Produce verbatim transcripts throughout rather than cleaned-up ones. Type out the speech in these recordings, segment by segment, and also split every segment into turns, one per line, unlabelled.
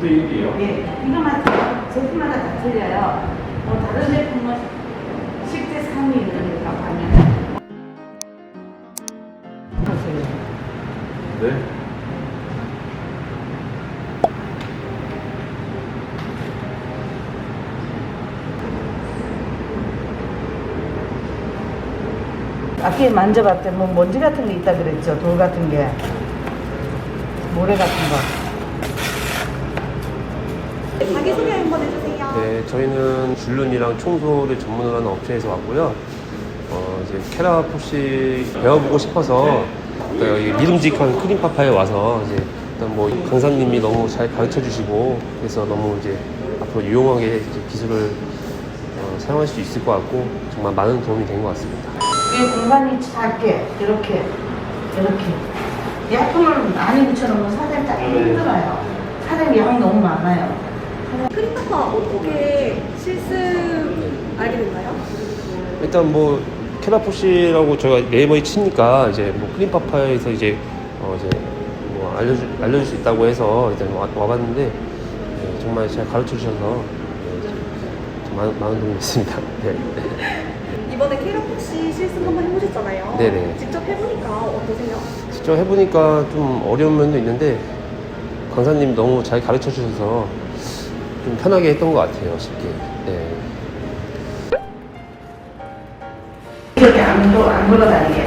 대 일이에요?
예, 이거마다 제품마다 다 틀려요. 뭐 다른 제품은 십 대 삼이 이러니까 가면 보세요.
네.
아까 만져봤더니 뭐 먼지 같은 게 있다 그랬죠. 돌 같은 게, 모래 같은 거.
자기소개 한번 해주세요.
네, 저희는 줄눈이랑 청소를 전문으로 하는 업체에서 왔고요. 어, 이제 캐라포시 배워보고 싶어서 또 여기 믿음직한 크림파파에 와서 이제 일단 뭐 강사님이 너무 잘 가르쳐 주시고 그래서 너무 이제 앞으로 유용하게 이제 기술을 어, 사용할 수 있을 것 같고 정말 많은 도움이 된 것 같습니다.
이 공간이 작게 이렇게 이렇게 약품을 많이 붙여놓으면 사장님 짜기 힘들어요. 사장님 양 너무 많아요.
크림파파 어떻게 실습 알게 됐나요?
일단 뭐 캐라포시라고 저희가 네이버에 치니까 이제 뭐 크림파파에서 이제 어 이제 뭐 알려주 알려줄 수 있다고 해서 일단 와, 와봤는데 네, 정말 잘 가르쳐 주셔서 네, 좀 많은, 많은 도움이 됐습니다. 네.
이번에 캐라포시 실습 한번 해보셨잖아요.
네네.
직접 해보니까 어떠세요?
직접 해보니까 좀 어려운 면도 있는데 강사님 너무 잘 가르쳐 주셔서 좀 편하게 했던 것 같아요, 쉽게. 네.
이렇게 안, 굴- 안 굴러다니게.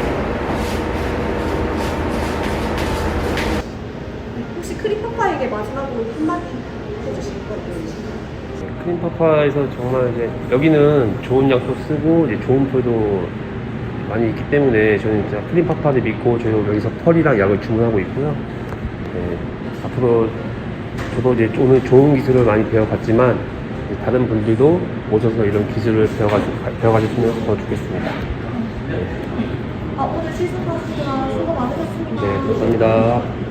혹시 크림파파에게 마지막으로 한마디 해주실 거예요?
크림파파에서 정말 이제 여기는 좋은 약도 쓰고 이제 좋은 펄도 많이 있기 때문에 저는 진짜 크림파파를 믿고 저희도 여기서 펄이랑 약을 주문하고 있고요. 네, 앞으로 저도 이제 오늘 좋은 기술을 많이 배워갔지만 다른 분들도 오셔서 이런 기술을 배워가, 배워가셨으면 더 좋겠습니다. 네,
아, 오늘 실습하시느라 수고 많으셨습니다.
네 감사합니다.